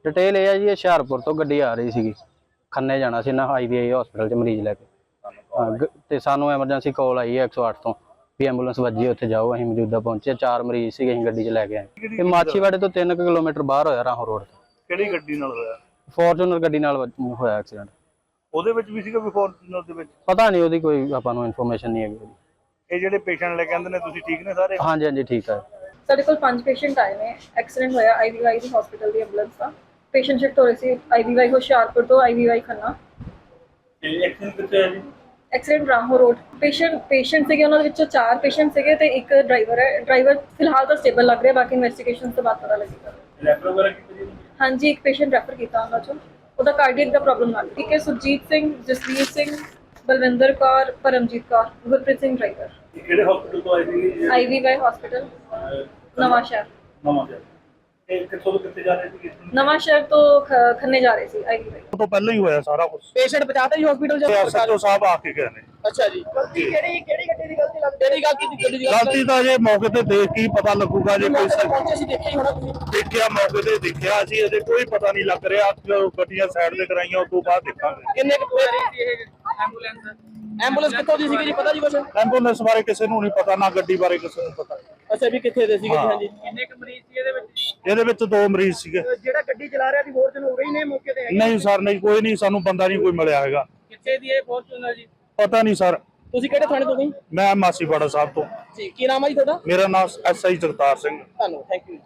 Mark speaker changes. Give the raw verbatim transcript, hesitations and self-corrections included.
Speaker 1: Detail ये है जी, हुशियारपुर तो गड्डी आ रही सी, खन्ने जाना सी ना आई वी आई हॉस्पिटल च मरीज लैके। तो सानू एमरजेंसी कॉल आई है एक सौ अठ तो भी एंबूलेंस वजी, उत्थे जाओ। असीं मौजूदा पहुंचे, चार मरीज सी असीं गड्डी च लैके आए। ये माछीवाड़े तो तीन किलोमीटर बाहर होया राहों रोड ते।
Speaker 2: ਕਿਹੜੀ ਗੱਡੀ ਨਾਲ ਹੋਇਆ?
Speaker 1: फॉर्चूनर गड्डी नाल होया एक्सीडेंट।
Speaker 2: ਉਹਦੇ ਵਿੱਚ ਵੀ ਸੀਗਾ ਵੀ ਫੋਰਚੂਨਰ ਦੇ ਵਿੱਚ?
Speaker 1: पता नहीं ਉਹਦੀ कोई आपां नूं इन्फॉर्मेशन नहीं है।
Speaker 2: ਇਹ ਜਿਹੜੇ ਪੇਸ਼ੈਂਟ ਲੈ ਕੇ ਆਂਦੇ ਨੇ ਤੁਸੀਂ ਠੀਕ ਨੇ ਸਾਰੇ?
Speaker 1: हाँ जी हाँ जी ठीक है।
Speaker 3: ਸਾਡੇ ਕੋਲ ਪੰਜ ਪੇਸ਼ੈਂਟ ਆਏ ਨੇ, ਐਕਸੀਡੈਂਟ ਹੋਇਆ ਆਈਵੀਵਾਈ ਦੀ ਹਸਪੀਟਲ ਦੀ ਐਂਬੂਲੈਂਸ ਦਾ। ਪੇਸ਼ੈਂਟ ਸ਼ਿਫਟ ਹੋ ਰਹੇ ਸੀ ਆਈਵੀਵਾਈ ਹੁਸ਼ਿਆਰਪੁਰ ਤੋਂ ਆਈਵੀਵਾਈ ਖੰਨਾ।
Speaker 2: ਤੇ ਐਕਸੀਡੈਂਟ ਕਿੱਥੇ ਹੈ ਜੀ?
Speaker 3: Accident Rahon road. Patient patient ਸੀਗੇ, ਉਹਨਾਂ ਦੇ ਵਿੱਚੋਂ ਚਾਰ ਪੇਸ਼ੈਂਟ ਸੀਗੇ ਤੇ ਇੱਕ ਡਰਾਈਵਰ ਹੈ। ਡਰਾਈਵਰ ਫਿਲਹਾਲ ਤਾਂ ਸਟੇਬਲ ਲੱਗ ਰਿਹਾ, ਬਾਕੀ ਇਨਵੈਸਟੀਗੇਸ਼ਨ ਤੋਂ ਬਾਅਦ ਪਤਾ ਲੱਗੇਗਾ।
Speaker 2: ਰੈਫਰ ਵਗੈਰਾ ਕੀਤੀ ਜੀ?
Speaker 3: ਹਾਂਜੀ, ਇੱਕ ਪੇਸ਼ੈਂਟ ਰੈਫਰ ਕੀਤਾ ਉਹਨਾਂ ਚੋਂ, ਉਹਦਾ ਕਾਰਡੀਅਕ ਦਾ ਪ੍ਰੋਬਲਮ ਲੱਗ ਰਿਹਾ। ਠੀਕ ਹੈ, ਸੁਰਜੀਤ ਸਿੰਘ, ਜਸਵੀਰ ਸਿੰਘ, ਬਲਵਿੰਦਰ ਕੌਰ, ਪਰਮਜੀਤ ਕੌਰ, ਗੁਰਪ੍ਰੀਤ ਸਿੰਘ ਡਰਾਈਵਰ।
Speaker 2: ਕਿਹੜੇ ਹਸਪੀਟਲ ਤੋਂ ਆਏ ਸੀ?
Speaker 3: ਆਈਵੀਵਾਈ ਹਸਪੀਟਲ ਨਵਾਂ ਸ਼ਹਿਰ।
Speaker 2: ਨਵਾਂ ਸ਼ਹਿਰ। ਇਹ ਕਿੱਥੋਂ ਤੋਂ ਕਿੱਥੇ ਜਾ ਰਹੇ ਸੀ?
Speaker 3: ਨਵਾਂ ਸ਼ਹਿਰ ਤੋਂ ਖ- ਖੰਨੇ ਜਾ ਰਹੇ ਸੀ ਆਈਵੀਵਾਈ।
Speaker 2: ਉਹ ਤੋਂ ਪਹਿਲਾਂ ਹੀ ਹੋਇਆ ਸਾਰਾ ਕੁਝ।
Speaker 4: ਪੇਸ਼ੈਂਟ ਬਚਾਤਾ ਜੀ ਹਸਪੀਟਲ ਚ?
Speaker 2: ਐਸਐਚਓ ਸਾਹਿਬ ਆ ਕੇ ਗਏ ਨੇ।
Speaker 4: ਅੱਛਾ ਜੀ, ਗਲਤੀ ਕਿਹੜੀ ਕਿਹੜੀ ਗੱਡੀ ਦੀ ਗਲਤੀ ਲੱਗਦੀ? ਕਿਹੜੀ ਗਲਤੀ ਦੀ ਗੱਡੀ ਦੀ
Speaker 2: ਗਲਤੀ ਤਾਂ ਜੇ ਮੌਕੇ ਤੇ ਦੇਖ ਕੇ ਹੀ ਪਤਾ ਲੱਗੂਗਾ। ਜੇ ਕੋਈ
Speaker 4: ਮੌਕੇ ਤੇ ਪਹੁੰਚੇ ਸੀ, ਦੇਖਿਆ ਹੀ ਹੋਣਾ ਤੁਸੀਂ।
Speaker 2: ਦੇਖਿਆ, ਮੌਕੇ ਤੇ ਦੇਖਿਆ ਸੀ, ਅਜੇ ਕੋਈ ਪਤਾ ਨਹੀਂ ਲੱਗ ਰਿਹਾ। ਜਦੋਂ ਗੱਡੀਆਂ ਸਾਈਡ ਤੇ ਕਰਾਈਆਂ ਉਸ ਤੋਂ ਬਾਅਦ ਦੇਖਾਂਗੇ।
Speaker 4: ਕਿੰਨੇ ਕੁ ਪੈ ਰਹੀ ਸੀ ਇਹ ਐਂਬੂਲੈਂਸ? ਐਂਬੂਲੈਂਸ ਕਿੱਥੋਂ ਦੀ ਸੀਗੀ ਜੀ, ਪਤਾ ਜੀ ਕੁਛ?
Speaker 2: ਐਂਬੂਲੈਂਸ ਬਾਰੇ ਕਿਸੇ ਨੂੰ ਨਹੀਂ ਪਤਾ, ਨਾ ਗੱਡੀ ਬਾਰੇ ਕਿਸੇ ਨੂੰ ਪਤਾ।
Speaker 4: ਅੱਛਾ, ਵੀ ਕਿੱਥੇ ਦੇ ਸੀਗੇ ਜੀ?
Speaker 2: ਹਾਂ।
Speaker 4: ਹਾਂਜੀ, ਕਿੰਨੇ ਕੁ ਮਰੀਜ਼ ਸੀ ਇਹਦੇ ਵਿੱਚ?
Speaker 2: ਇਹਦੇ ਵਿੱਚ ਦੋ ਮਰੀਜ਼ ਸੀਗੇ।
Speaker 4: ਜਿਹੜਾ ਗੱਡੀ ਚਲਾ ਰਿਹਾ ਸੀ ਫੋਰਚੂਨਰ ਹੋ ਰਹੀ ਨੇ ਮੌਕੇ ਤੇ?
Speaker 2: ਨਹੀਂ ਸਰ, ਨਹੀਂ, ਕੋਈ ਨਹੀਂ, ਸਾਨੂੰ ਬੰਦਾ ਨਹੀਂ ਕੋਈ ਮਿਲਿਆ ਹੈਗਾ।
Speaker 4: ਕਿੱਥੇ ਦੀ ਇਹ ਫੋਰਚੂਨਰ ਜੀ?
Speaker 2: ਪਤਾ ਨਹੀਂ ਸਰ।
Speaker 4: ਤੁਸੀਂ ਕਿਹੜੇ ਥਾਣੇ ਤੋਂ ਗਏ?
Speaker 2: ਮੈਂ ਮਾਸੀਵਾੜਾ ਸਾਹਿਬ ਤੋਂ।
Speaker 4: ਜੀ, ਕੀ ਨਾਮ ਹੈ ਜੀ ਤੁਹਾਡਾ?
Speaker 2: ਮੇਰਾ ਨਾਮ ਐਸ ਆਈ ਜਗਤਾਰ ਸਿੰਘ।
Speaker 4: ਤੁਹਾਨੂੰ ਥੈਂਕ ਯੂ।